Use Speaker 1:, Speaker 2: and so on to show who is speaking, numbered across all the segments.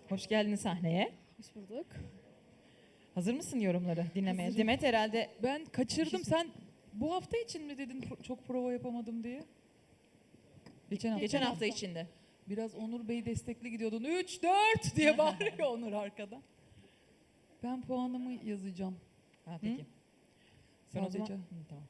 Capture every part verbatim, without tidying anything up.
Speaker 1: Hoş geldin sahneye.
Speaker 2: Hoş bulduk.
Speaker 1: Hazır mısın yorumları dinlemeye?
Speaker 2: Hazırım.
Speaker 1: Demet herhalde
Speaker 2: Ben kaçırdım.
Speaker 1: Bir şey-
Speaker 2: Sen bu hafta için mi dedin pro- çok prova yapamadım diye? Geçen hafta.
Speaker 1: geçen hafta içinde.
Speaker 2: Biraz Onur Bey destekli gidiyordun. üç dört diye bağırıyor Onur arkadan. Ben puanımı yazacağım.
Speaker 1: Ha, peki. Sen o zaman...
Speaker 2: Sadece.
Speaker 1: Hı, tamam.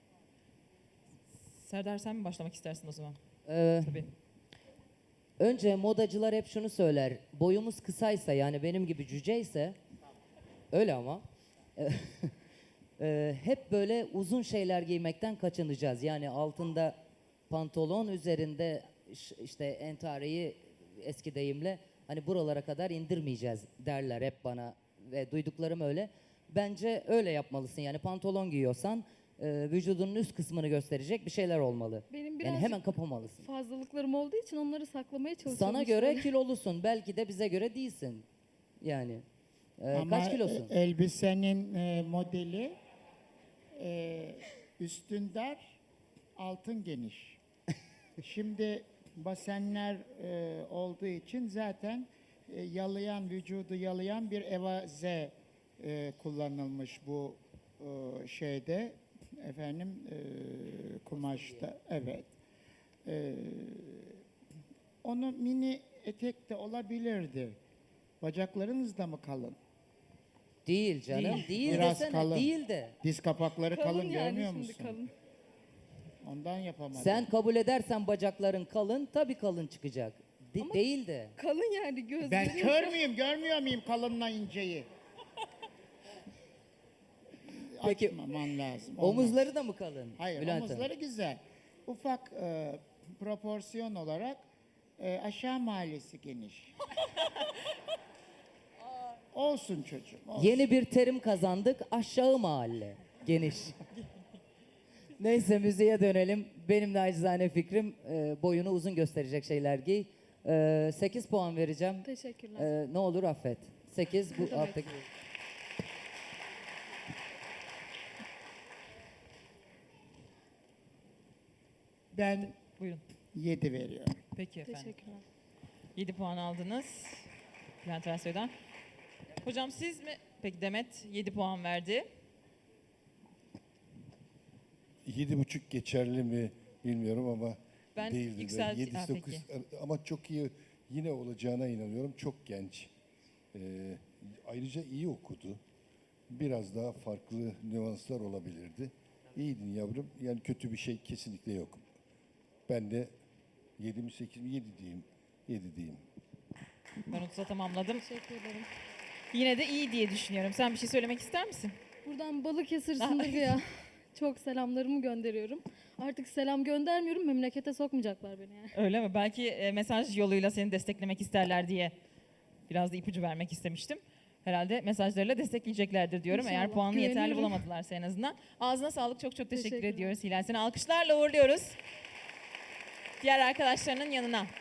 Speaker 1: Serdar sen mi başlamak istersin o zaman?
Speaker 3: Ee,
Speaker 1: Tabii.
Speaker 3: önce modacılar hep şunu söyler. Boyumuz kısaysa yani benim gibi cüceyse öyle ama e, hep böyle uzun şeyler giymekten kaçınacağız. Yani altında pantolon, üzerinde ş- işte entareyi eski deyimle hani buralara kadar indirmeyeceğiz derler hep bana ve duyduklarım öyle. Bence öyle yapmalısın. Yani pantolon giyiyorsan e, vücudunun üst kısmını gösterecek bir şeyler olmalı.
Speaker 4: Benim
Speaker 3: Yani
Speaker 4: birazcık
Speaker 3: hemen kapamalısın.
Speaker 4: fazlalıklarım olduğu için onları saklamaya çalışıyorum.
Speaker 3: Sana
Speaker 4: işte.
Speaker 3: göre kilolusun. Belki de bize göre değilsin. Yani. Ee,
Speaker 5: Ama
Speaker 3: kaç kilosun?
Speaker 5: e- elbisenin e, modeli e, üstün dar, altın geniş. Şimdi basenler e, olduğu için zaten e, yalayan, vücudu yalayan bir evaze e, kullanılmış bu e, şeyde efendim e, kumaşta. Evet. E, onu mini etek de olabilirdi. Bacaklarınız da mı kalın?
Speaker 3: Değil canım. Değil,
Speaker 5: Değil. Biraz
Speaker 3: desene.
Speaker 5: kalın.
Speaker 3: Değil de.
Speaker 5: Diz kapakları kalın,
Speaker 4: Kalın yani
Speaker 5: görmüyor
Speaker 4: şimdi
Speaker 5: musun?
Speaker 4: kalın.
Speaker 5: Ondan yapamadım.
Speaker 3: Sen kabul edersen bacakların kalın, tabii kalın çıkacak. De-
Speaker 4: Ama-
Speaker 3: değil de.
Speaker 4: Kalın yani gözlerim.
Speaker 5: Ben kör müyüm? Görmüyor muyum kalınla inceyi?
Speaker 3: Peki,
Speaker 5: Açmaman lazım. Olmaz.
Speaker 3: Omuzları da mı kalın?
Speaker 5: Hayır,
Speaker 3: Bülent Hanım?
Speaker 5: omuzları güzel. Ufak e, proporsiyon olarak e, aşağı mahallesi geniş. Olsun çocuğum. Olsun.
Speaker 3: Yeni bir terim kazandık. Aşağı mahalle. Geniş. Neyse müziğe dönelim. Benim nacizane fikrim e, boyunu uzun gösterecek şeyler giy. E, sekiz puan vereceğim.
Speaker 4: Teşekkürler.
Speaker 3: E, ne olur affet. sekiz bu
Speaker 4: demek?
Speaker 3: alttaki.
Speaker 5: Ben
Speaker 1: Buyurun.
Speaker 5: yedi veriyorum.
Speaker 1: Peki efendim.
Speaker 4: Teşekkürler.
Speaker 1: yedi puan aldınız. Bülent Ersoy'dan. Hocam siz mi? Peki Demet yedi puan verdi.
Speaker 6: Yedi buçuk geçerli mi bilmiyorum ama
Speaker 1: Ben
Speaker 6: değildi de.
Speaker 1: yükselt-
Speaker 6: Yedi,
Speaker 1: Ha,
Speaker 6: dokuz ama çok iyi yine olacağına inanıyorum. Çok genç. Ee, ayrıca iyi okudu. Biraz daha farklı nüanslar olabilirdi. İyiydin yavrum. Yani kötü bir şey kesinlikle yok. Ben de yedi mi sekiz mi yedi diyeyim. Yedi diyeyim.
Speaker 1: Ben otuz'a tamamladım.
Speaker 4: Teşekkür ederim.
Speaker 1: Yine de iyi diye düşünüyorum. Sen bir şey söylemek ister misin?
Speaker 4: Buradan Balıkesir Sındırgı'ya çok selamlarımı gönderiyorum. Artık selam göndermiyorum. Memlekete sokmayacaklar beni yani.
Speaker 1: Öyle mi? Belki e, mesaj yoluyla seni desteklemek isterler diye biraz da ipucu vermek istemiştim. Herhalde mesajlarıyla destekleyeceklerdir diyorum. Eğer
Speaker 4: İnşallah,
Speaker 1: puanını yeterli
Speaker 4: güveniyorum.
Speaker 1: bulamadılarsa en azından. Ağzına sağlık. Çok çok teşekkür
Speaker 4: Teşekkürler.
Speaker 1: ediyoruz Hilal. Seni alkışlarla uğurluyoruz. Diğer arkadaşlarının yanına.